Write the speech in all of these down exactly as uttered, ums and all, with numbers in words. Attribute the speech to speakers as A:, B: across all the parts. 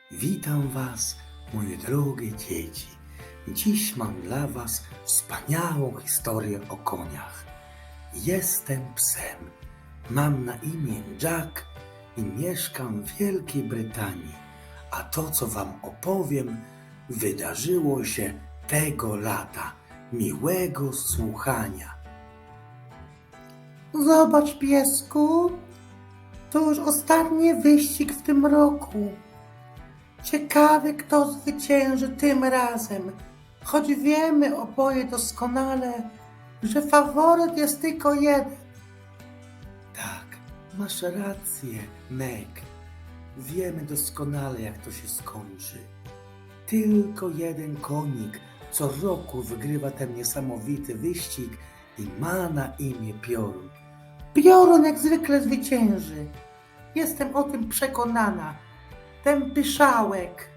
A: Witam Was, moje drogie dzieci. Dziś mam dla Was wspaniałą historię o koniach. Jestem psem. Mam na imię Jack i mieszkam w Wielkiej Brytanii. A to, co Wam opowiem, wydarzyło się tego lata. Miłego słuchania.
B: Zobacz, piesku, to już ostatni wyścig w tym roku. Ciekawy, kto zwycięży tym razem, choć wiemy oboje doskonale, że faworyt jest tylko jeden.
A: Tak, masz rację, Meg. Wiemy doskonale, jak to się skończy. Tylko jeden konik co roku wygrywa ten niesamowity wyścig i ma na imię Piorun.
B: Piorun jak zwykle zwycięży. Jestem o tym przekonana. Ten pyszałek.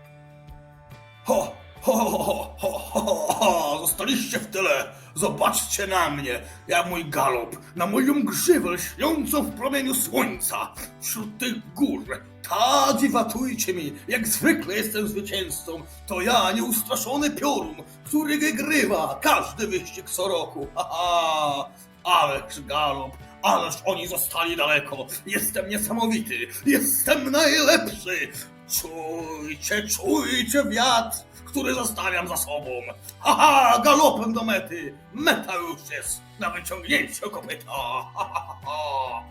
C: Ho, ho, ho, ho, ho, ho, ho, zostaliście w tyle. Zobaczcie na mnie, ja mój galop, na moją grzywę lśniącą w promieniu słońca, wśród tych gór. Tak i watujcie mi, jak zwykle jestem zwycięzcą. To ja, nieustraszony piorun, który wygrywa każdy wyścig co roku. Ha, ha. Ależ galop, ależ oni zostali daleko. Jestem niesamowity, jestem najlepszy. Czujcie, czujcie wiatr, który zostawiam za sobą. Haha, galopem do mety. Meta już jest na wyciągnięciu kopyta. Ha, ha, ha.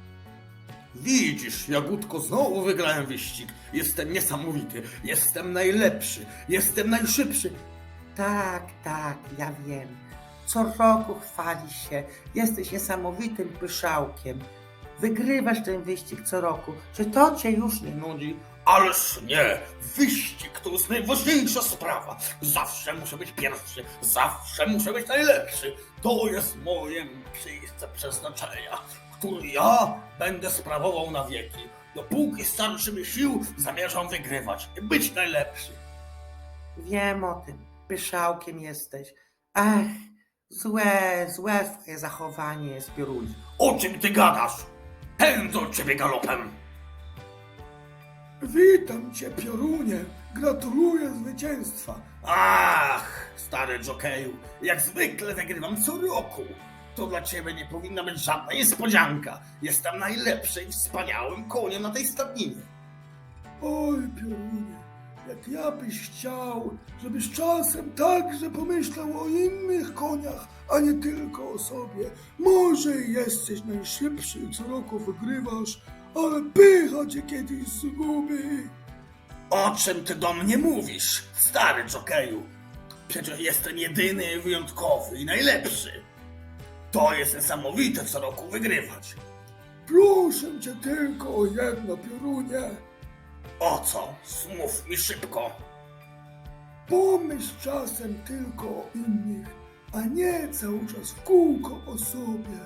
C: Widzisz, Jagódko, znowu wygrałem wyścig. Jestem niesamowity, jestem najlepszy, jestem najszybszy.
B: Tak, tak, ja wiem. Co roku chwalisz się. Jesteś niesamowitym pyszałkiem. Wygrywasz ten wyścig co roku. Czy to cię już nie nudzi?
C: Ależ nie! Wyścig to jest najważniejsza sprawa. Zawsze muszę być pierwszy, zawsze muszę być najlepszy. To jest moje miejsce przeznaczenia, które ja będę sprawował na wieki. Dopóki starczy mi sił, zamierzam wygrywać i być najlepszy.
B: Wiem o tym. Pyszałkiem jesteś. Ech, złe, złe twoje zachowanie jest, Piorunie.
C: O czym ty gadasz? Pędzę od ciebie galopem.
D: Witam cię, Piorunie. Gratuluję zwycięstwa.
C: Ach, stary jokeju, jak zwykle wygrywam co roku. To dla ciebie nie powinna być żadna niespodzianka. Jestem najlepszym i wspaniałym koniem na tej stadninie.
D: Oj, Piorunie, jak ja byś chciał, żebyś czasem także pomyślał o innych koniach, a nie tylko o sobie. Może i jesteś najszybszy i co roku wygrywasz, ale pycha cię kiedyś zgubi.
C: O czym ty do mnie mówisz, stary jokeju? Przecież jestem jedyny, wyjątkowy i najlepszy. To jest niesamowite co roku wygrywać.
D: Proszę cię tylko o jedno, Piorunie.
C: O co? Smów mi szybko.
D: Pomyśl czasem tylko o innych, a nie cały czas w kółko o sobie.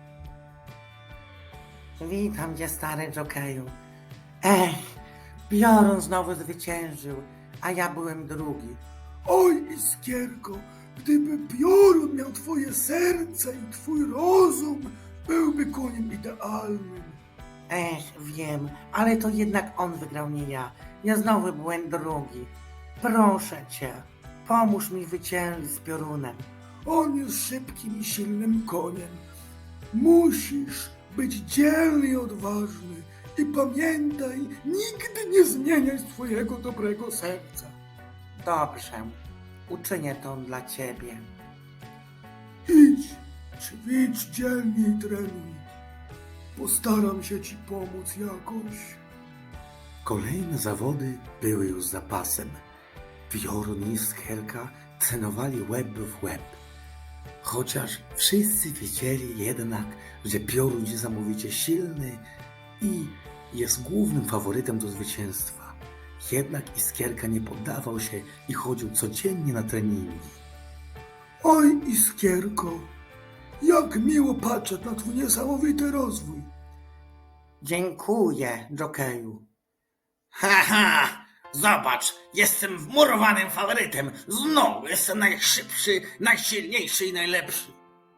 B: Witam cię, stary jokeju. Ech, Piorun znowu zwyciężył, a ja byłem drugi.
D: Oj, Iskierko, gdyby Piorun miał twoje serce i twój rozum, byłby koniem idealnym.
B: Ech, wiem, ale to jednak on wygrał, nie ja. Ja znowu byłem drugi. Proszę cię, pomóż mi zwyciężyć z Piorunem.
D: On jest szybkim i silnym koniem. Musisz być dzielny i odważny i pamiętaj, nigdy nie zmieniaj swojego dobrego serca.
B: Dobrze, uczynię to dla ciebie.
D: Idź, ćwicz dzielnie i trenuj. Postaram się ci pomóc jakoś.
A: Kolejne zawody były już za pasem. Piorun i Skierka trenowali łeb w łeb. Chociaż wszyscy wiedzieli jednak, że Piorun jest niesamowicie silny i jest głównym faworytem do zwycięstwa. Jednak Iskierka nie poddawał się i chodził codziennie na treningi.
D: Oj, Iskierko, jak miło patrzeć na twój niesamowity rozwój.
B: Dziękuję, jokeju.
C: Haha, zobacz, jestem wmurowanym faworytem. Znowu jestem najszybszy, najsilniejszy i najlepszy.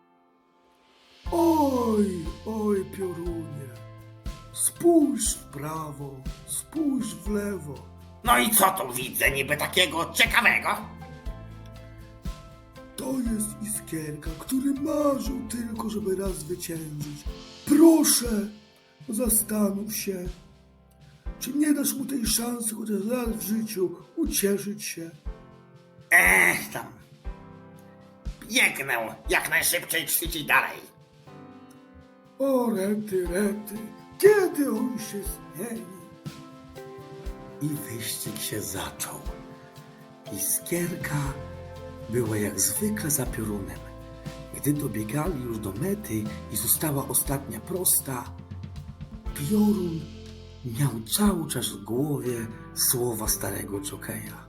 D: Oj, oj, Piorunie, spójrz w prawo, spójrz w lewo.
A: No i co tu widzę niby takiego ciekawego?
D: To jest Iskierka, który marzył tylko, żeby raz zwyciężyć. Proszę, zastanów się. Czy nie dasz mu tej szansy chociaż raz w życiu ucieszyć się?
A: Ech tam. Biegnę jak najszybciej ćwiczyć dalej.
D: O rety, rety, kiedy on się zmieni?
A: I wyścig się zaczął. Iskierka była jak zwykle za piorunem. Gdy dobiegali już do mety i została ostatnia prosta, piorun miał cały czas w głowie słowa starego dżokeja.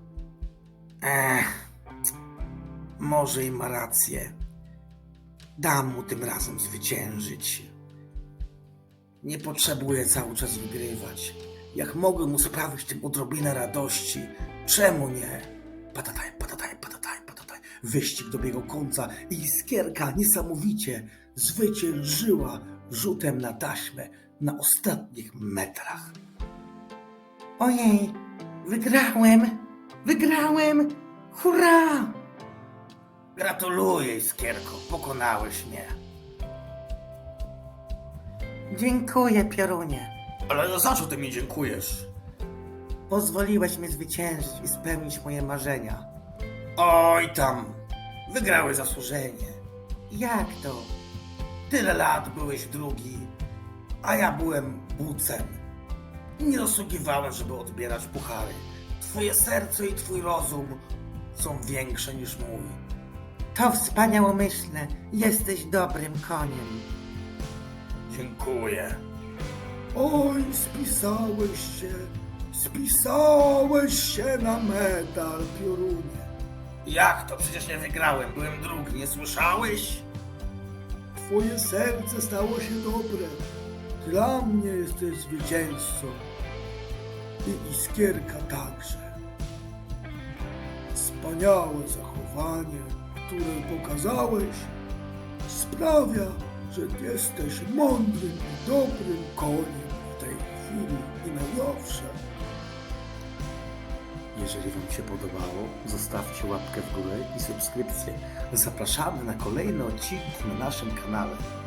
A: Ech, może i ma rację. Dam mu tym razem zwyciężyć. Nie potrzebuję cały czas wygrywać. Jak mogę mu sprawić tym odrobinę radości, czemu nie? Patataj, patataj, patataj, patataj. Wyścig dobiegł końca i Iskierka niesamowicie zwyciężyła rzutem na taśmę na ostatnich metrach.
B: Ojej, wygrałem, wygrałem, hurra!
A: Gratuluję, Iskierko, pokonałeś mnie.
B: Dziękuję, Piorunie.
C: Ale za co ty mi dziękujesz?
B: Pozwoliłeś mi zwyciężyć i spełnić moje marzenia.
A: Oj tam, wygrałeś zasłużenie.
B: Jak to?
A: Tyle lat byłeś drugi, a ja byłem bucem. I nie zasługiwałem, żeby odbierać puchary. Twoje serce i twój rozum są większe niż mój.
B: To wspaniałomyślne. Jesteś dobrym koniem.
A: Dziękuję.
D: Oj, spisałeś się, spisałeś się na medal, Piorunie.
A: Jak to? Przecież nie wygrałem, byłem drugi, nie słyszałeś?
D: Twoje serce stało się dobre. Dla mnie jesteś zwycięzcą. I Iskierka także. Wspaniałe zachowanie, które pokazałeś, sprawia, że jesteś mądrym i dobrym koniem w tej chwili i na zawsze.
A: Jeżeli Wam się podobało, zostawcie łapkę w górę i subskrypcję. Zapraszamy na kolejne odcinki na naszym kanale.